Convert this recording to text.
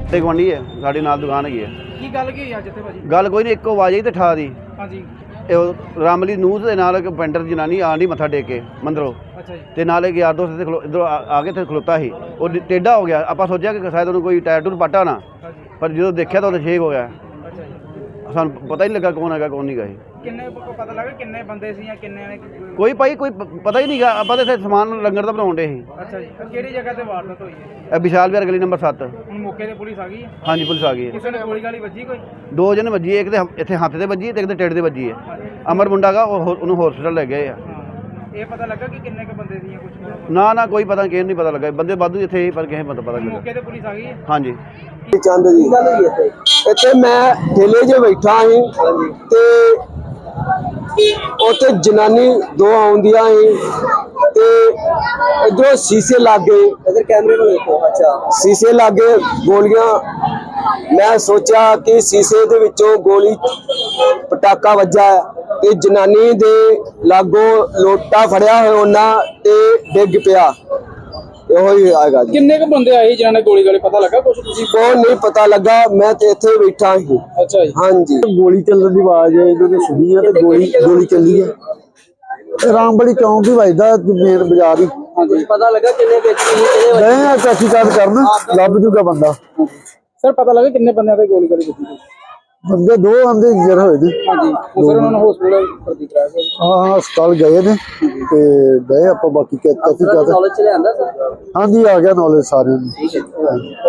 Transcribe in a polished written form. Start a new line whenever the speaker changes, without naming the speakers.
ਤੇ ਗੁਆਂਢੀ ਹੈ ਸਾਡੇ ਨਾਲ ਦੁਕਾਨ ਹੈਗੀ ਹੈ।
ਕੀ ਗੱਲ ਕੀ ਹੋਈ ਅੱਜ ਇੱਥੇ ਭਾਜੀ?
ਗੱਲ ਕੋਈ ਨਹੀਂ, ਇੱਕੋ ਆਵਾਜ਼ ਆਈ ਤੇ ਠਾ ਦੀ
ਹਾਂਜੀ।
ਇਹ ਰਾਮਲੀ ਨੂੰਹ ਦੇ ਨਾਲ ਇੱਕ ਪੈਂਟਰ ਜਨਾਨੀ ਆਣ ਡਈ ਮੱਥਾ ਟੇਕ ਕੇ ਮੰਦਰੋਂ,
ਅੱਛਾ ਜੀ।
ਤੇ ਨਾਲ ਇੱਕ ਯਾਰ ਦੋਸਤ ਇੱਧਰੋਂ ਆ ਕੇ ਤੇ ਖਲੋਤਾ ਸੀ। ਉਹ ਟੇਢਾ ਹੋ ਗਿਆ। ਆਪਾਂ ਸੋਚਿਆ ਕਿ ਸ਼ਾਇਦ ਉਹਨੂੰ ਕੋਈ ਟਾਇਰ ਟੂਰ ਪਾਟਾ ਨਾ,
ਹਾਂਜੀ।
ਪਰ ਜਦੋਂ ਦੇਖਿਆ ਤਾਂ ਉਹ ਛੇਕ ਹੋ ਗਿਆ।
ਅੱਛਾ ਜੀ।
ਸਾਨੂੰ ਪਤਾ ਹੀ ਨਹੀਂ ਲੱਗਾ ਕੌਣ ਹੈਗਾ ਕੌਣ ਨਹੀਂ ਗਾ।
ਕਿੰਨੇ ਪਤਾ ਲੱਗਾ ਕਿੰਨੇ ਬੰਦੇ ਸੀ ਜਾਂ ਕਿੰਨੇ ਨੇ?
ਕੋਈ ਭਾਈ ਕੋਈ ਪਤਾ ਹੀ ਨਹੀਂ ਗਾ। ਆਪਾਂ ਤਾਂ ਇੱਥੇ ਸਮਾਨ ਲੰਗਰ ਦਾ ਬਣਾਉਣ ਡੇ ਸੀ।
ਅੱਛਾ ਜੀ। ਕਿਹੜੀ ਜਗ੍ਹਾ ਤੇ ਵਾਰਦਾਤ ਹੋਈ ਹੈ?
ਇਹ ਵਿਸ਼ਾਲ ਵਿਹਾਰ ਗਲੀ ਨੰਬਰ 7।
ਹੁਣ ਮੌਕੇ ਤੇ ਪੁਲਿਸ ਆ ਗਈ ਹੈ?
ਹਾਂਜੀ ਪੁਲਿਸ ਆ ਗਈ ਹੈ।
ਕਿਸੇ ਨੇ ਗੋਲੀ ਗਾਲੀ ਵੱਜੀ ਕੋਈ?
2 ਜਣੇ ਵੱਜੀ, ਇੱਕ ਤੇ ਇੱਥੇ ਹੱਥ ਤੇ ਵੱਜੀ ਤੇ ਇੱਕ ਤੇ ਢਿੱਡ ਤੇ ਵੱਜੀ ਹੈ। ਅਮਰ ਮੁੰਡਾ ਗਾ ਉਹਨੂੰ ਹਸਪੀਟਲ ਲੈ ਗਏ ਆ।
ਇਹ ਪਤਾ ਲੱਗਾ ਕਿ ਕਿੰਨੇ ਕ ਬੰਦੇ ਸੀ ਜਾਂ ਕੁਝ?
ਨਾ ਕੋਈ ਪਤਾ ਕਿਸੇ ਨਹੀਂ ਪਤਾ ਲੱਗਾ। ਬੰਦੇ ਵਾਧੂ ਇੱਥੇ ਹੀ ਪਰ ਕਿਸੇ ਨੂੰ ਪਤਾ ਲੱਗਾ।
ਮੌਕੇ ਤੇ ਪੁਲਿਸ ਆ ਗਈ ਹੈ?
ਹਾਂਜੀ।
ਚੰਦ ਜੀ ਇੱਥੇ ਮੈਂ ਠੇਲੇ 'ਚ ਬੈਠਾ ਸੀ ਤੇ ਉੱਥੇ ਜਨਾਨੀ 2 ਆਉਂਦੀਆਂ ਸੀ ਤੇ ਇਧਰੋਂ ਸ਼ੀਸ਼ੇ ਲੱਗ ਗਏ। ਇਧਰ ਕੈਮਰੇ ਨੂੰ ਦੇਖੋ। ਅੱਛਾ, ਸ਼ੀਸ਼ੇ ਲੱਗ ਗਏ, ਗੋਲੀਆਂ। ਮੈਂ ਸੋਚਿਆ ਕਿ ਸ਼ੀਸ਼ੇ ਦੇ ਵਿੱਚੋਂ ਗੋਲੀ ਪਟਾਕਾ ਵੱਜਾ ਤੇ ਜਨਾਨੀ ਦੇ ਲਾਗੋਂ ਲੋਟਾ ਫੜਿਆ ਹੋਇਆ ਉਹਨਾਂ ਤੇ ਡਿੱਗ ਪਿਆ। ਇਹੋ ਹੀ ਆਏਗਾ ਜੀ।
ਕਿੰਨੇ ਕ ਬੰਦੇ ਆਏ ਜਿਨ੍ਹਾਂ ਨੇ ਗੋਲੀ ਗਾਲੀ ਪਤਾ ਲੱਗਾ ਕੁਝ? ਤੁਸੀਂ
ਕੋਈ ਨਹੀਂ ਪਤਾ ਲੱਗਾ, ਮੈਂ ਤੇ ਇੱਥੇ ਬੈਠਾ ਸੀ।
ਅੱਛਾ ਜੀ।
ਹਾਂਜੀ। ਗੋਲੀ ਚੱਲਣ ਦੀ ਆਵਾਜ਼ ਇਹਨਾਂ ਨੇ ਸੁਣੀ ਹੈ ਤੇ ਗੋਲੀ ਚੱਲੀ ਹੈ। ਰਾਮਬੜੀ ਚੌਂਕ ਹੀ ਵੱਜਦਾ ਮੇਨ ਬਾਜ਼ਾਰ ਹੀ।
ਹਾਂਜੀ। ਪਤਾ ਲੱਗਾ ਕਿੰਨੇ ਵਿਅਕਤੀ
ਮੈਂ ਤਹਿਕੀਕਾਤ ਕਰਨ ਲੱਭ ਜੂਗਾ ਬੰਦਾ।
ਸਰ ਪਤਾ ਲੱਗਾ ਕਿੰਨੇ ਬੰਦਿਆਂ ਤੇ ਗੋਲੀ ਗਾਲੀ ਵੱਜੀ?
ਬੰਦੇ 2 ਆਂਦੇ ਜਰ ਹੋਏ ਨੇ।
ਹਾਂਜੀ। ਸਰ ਉਹਨਾਂ ਨੂੰ ਹਸਪੀਟਲ ਭਰਤੀ ਕਰਾਇਆ ਗਿਆ?
ਹਾਂ ਹਸਪਤਾਲ ਗਏ ਨੇ ਤੇ ਗਏ ਆਪਾਂ ਬਾਕੀ ਤਹਿਕੀਕਾਤ।
ਨੌਲੇਜ ਚ ਲਿਆਂਦਾ ਸਰ?
ਹਾਂਜੀ ਆ ਗਿਆ ਨੌਲੇਜ ਸਾਰਿਆਂ ਨੂੰ।
ਠੀਕ ਹੈ।